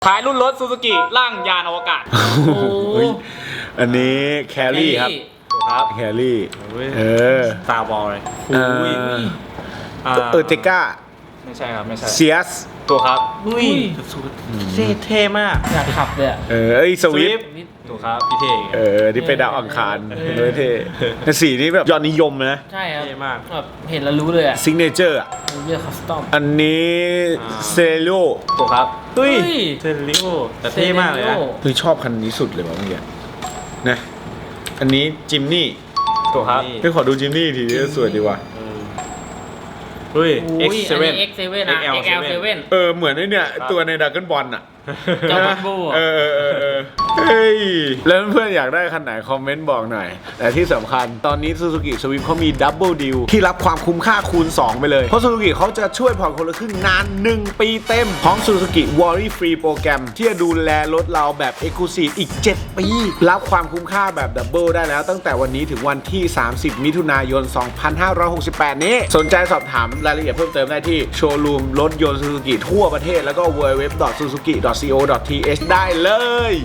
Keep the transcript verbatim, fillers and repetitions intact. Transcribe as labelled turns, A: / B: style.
A: ท้ายรุ่นรถซูซูกิร่างยานอวกาศ
B: โอ้อันนี้แคลรี่ครับ
A: ถูกครับ
B: แคลรี่เออ
A: สตาร์บอลเลย
B: เออเออเตก้า
A: ไม่ใช่ครับไม่ใช่
B: เซียส
A: ตัวครับ
C: อุ้ยเท่เท่มาก
D: อยากขับเลยอะ
B: เออไอสวิฟ
A: ถูกครับพี่เท่
B: เออที่ไปดาวอังคารเลยเท่แต่สีนี้แบบยอดนิยมนะ
D: ใช่ครับ
C: เท่มาก
D: แบบเห็นแล้วรู้เลยอะ
B: ซิงเนเจอร์อ่ะ
D: เยอะคัสตอม
B: อันนี้เซโล
A: ถูกครับ
C: เฮ้ย
D: เฮ้ย
C: เซริโอแต่เท่มากเลยนะ
B: เฮ้ยชอบคันนี้สุดเลยว่ะเมื่อกี้นะอันนี้จิมนี่
A: ถูกครับ
B: เฮ้ยขอดูจิมนี่ทีนี้สวยดีว่ะ
C: เฮ้ย
D: อุ้ย
C: X
D: อัน
C: เซเว่
D: นี้
C: น
D: X เซเว่นอะ
C: เอ็กซ์
D: เอ็ก
C: แอ
D: แอ
C: ล
D: ล
C: เซ
D: เซ
C: เว่
D: เว่
C: น
D: น
B: เออเหมือนไอ้เนี่ยตัวในดักเกิลบอลอ่ะ
D: เจ้าบัมโบ้อะ
B: เออเออเออเออเฮ้ยแล้วเพื่อนๆอยากได้คันไหนคอมเมนต์บอกหน่อยแต่ที่สำคัญตอนนี้ Suzuki Swift เขามีดับเบิลดีลที่รับความคุ้มค่าคูณสองไปเลยเพราะ Suzuki เขาจะช่วยผ่อนคนละครึ่งนานหนึ่งปีเต็มพร้อม Suzuki Worry Free โปรแกรมที่จะดูแลรถเราแบบ Exclusive อีกเจ็ดปีรับความคุ้มค่าแบบดับเบิลได้แล้วตั้งแต่วันนี้ถึงวันที่สามสิบมิถุนายนสองพันห้าร้อยหกสิบแปดนี้สนใจสอบถามรายละเอียดเพิ่มเติมได้ที่โชว์รูมรถยนต์ Suzuki ทั่วประเทศแล้วก็ ดับเบิลยู ดับเบิลยู ดับเบิลยู ดอท ซูซูกิ ดอท ซี โอ ดอท ที เอช ได้เลย